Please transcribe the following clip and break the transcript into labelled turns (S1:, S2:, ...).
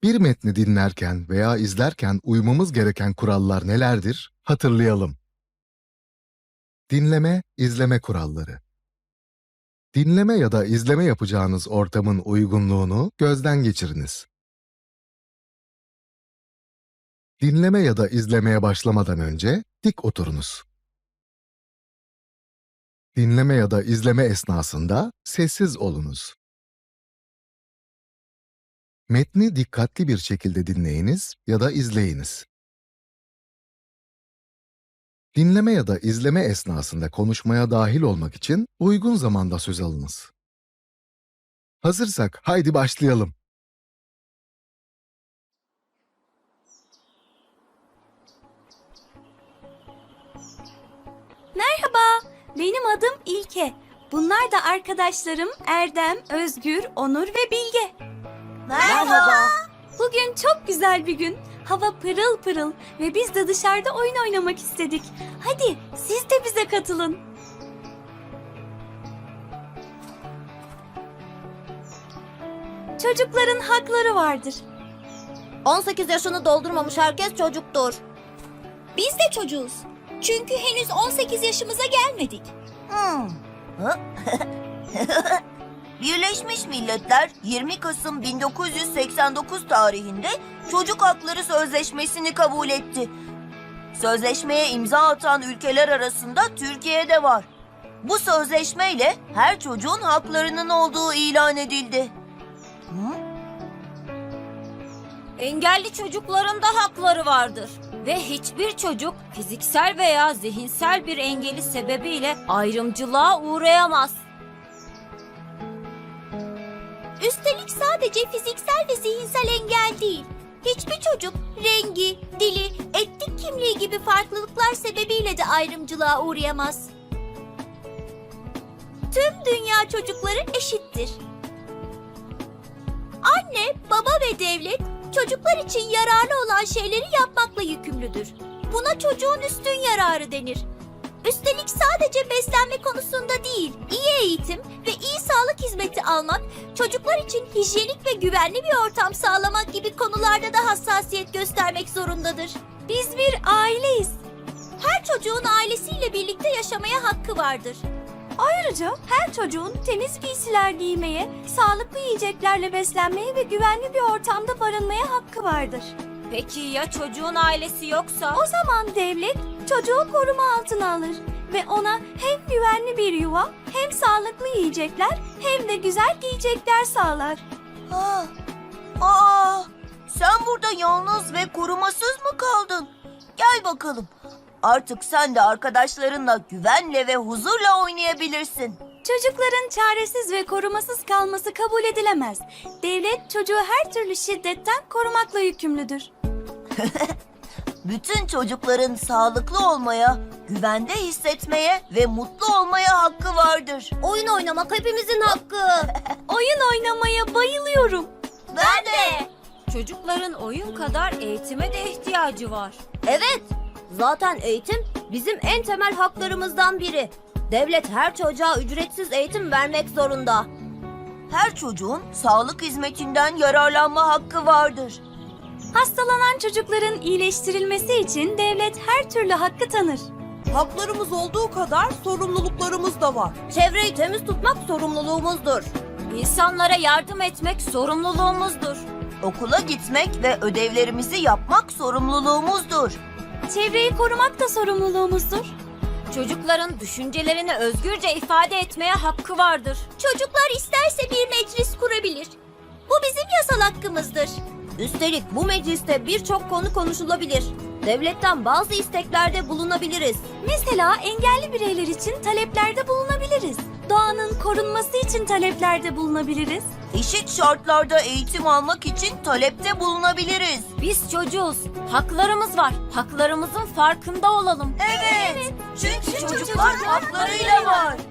S1: Bir metni dinlerken veya izlerken uymamız gereken kurallar nelerdir? Hatırlayalım. Dinleme, izleme kuralları. Dinleme ya da izleme yapacağınız ortamın uygunluğunu gözden geçiriniz. Dinleme ya da izlemeye başlamadan önce dik oturunuz. Dinleme ya da izleme esnasında sessiz olunuz. Metni dikkatli bir şekilde dinleyiniz ya da izleyiniz. Dinleme ya da izleme esnasında konuşmaya dahil olmak için uygun zamanda söz alınız. Hazırsak haydi başlayalım.
S2: Merhaba, benim adım İlke. Bunlar da arkadaşlarım Erdem, Özgür, Onur ve Bilge.
S3: Merhaba.
S2: Bugün çok güzel bir gün. Hava pırıl pırıl ve biz de dışarıda oyun oynamak istedik. Hadi siz de bize katılın. Çocukların hakları vardır.
S3: 18 yaşını doldurmamış herkes çocuktur.
S2: Biz de çocuğuz. Çünkü henüz 18 yaşımıza gelmedik.
S4: Birleşmiş Milletler 20 Kasım 1989 tarihinde Çocuk Hakları Sözleşmesi'ni kabul etti. Sözleşmeye imza atan ülkeler arasında Türkiye de var. Bu sözleşmeyle her çocuğun haklarının olduğu ilan edildi.
S3: Engelli çocukların da hakları vardır. Ve hiçbir çocuk fiziksel veya zihinsel bir engeli sebebiyle ayrımcılığa uğrayamaz.
S2: Üstelik sadece fiziksel ve zihinsel engel değil. Hiçbir çocuk rengi, dili, etnik kimliği gibi farklılıklar sebebiyle de ayrımcılığa uğrayamaz. Tüm dünya çocukları eşittir. Anne, baba ve devlet çocuklar için yararlı olan şeyleri yapmakla yükümlüdür. Buna çocuğun üstün yararı denir. Üstelik sadece beslenme konusunda değil, iyi eğitim ve iyi sağlık hizmeti almak, çocuklar için hijyenik ve güvenli bir ortam sağlamak gibi konularda da hassasiyet göstermek zorundadır. Biz bir aileyiz. Her çocuğun ailesiyle birlikte yaşamaya hakkı vardır. Ayrıca her çocuğun temiz giysiler giymeye, sağlıklı yiyeceklerle beslenmeye ve güvenli bir ortamda barınmaya hakkı vardır.
S3: Peki ya çocuğun ailesi yoksa?
S2: O zaman devlet çocuğu koruma altına alır ve ona hem güvenli bir yuva, hem sağlıklı yiyecekler, hem de güzel giyecekler sağlar.
S4: Sen burada yalnız ve korumasız mı kaldın? Gel bakalım. Artık sen de arkadaşlarınla güvenle ve huzurla oynayabilirsin.
S2: Çocukların çaresiz ve korumasız kalması kabul edilemez. Devlet çocuğu her türlü şiddetten korumakla yükümlüdür.
S4: Bütün çocukların sağlıklı olmaya, güvende hissetmeye ve mutlu olmaya hakkı vardır.
S3: Oyun oynamak hepimizin hakkı.
S2: Oyun oynamaya bayılıyorum.
S4: Ben de.
S3: Çocukların oyun kadar eğitime de ihtiyacı var.
S5: Evet, zaten eğitim bizim en temel haklarımızdan biri. Devlet her çocuğa ücretsiz eğitim vermek zorunda.
S4: Her çocuğun sağlık hizmetinden yararlanma hakkı vardır.
S2: Hastalanan çocukların iyileştirilmesi için devlet her türlü hakkı tanır.
S6: Haklarımız olduğu kadar sorumluluklarımız da var.
S5: Çevreyi temiz tutmak sorumluluğumuzdur.
S3: İnsanlara yardım etmek sorumluluğumuzdur.
S4: Okula gitmek ve ödevlerimizi yapmak sorumluluğumuzdur.
S2: Çevreyi korumak da sorumluluğumuzdur.
S3: Çocukların düşüncelerini özgürce ifade etmeye hakkı vardır.
S2: Çocuklar isterse bir meclis kurabilir. Bu bizim yasal hakkımızdır.
S5: Üstelik bu mecliste birçok konu konuşulabilir. Devletten bazı isteklerde bulunabiliriz.
S2: Mesela engelli bireyler için taleplerde bulunabiliriz. Doğanın korunması için taleplerde bulunabiliriz.
S4: Eşit şartlarda eğitim almak için talepte bulunabiliriz.
S3: Biz çocuğuz. Haklarımız var. Haklarımızın farkında olalım.
S4: Evet. Çünkü çocuklar haklarıyla var.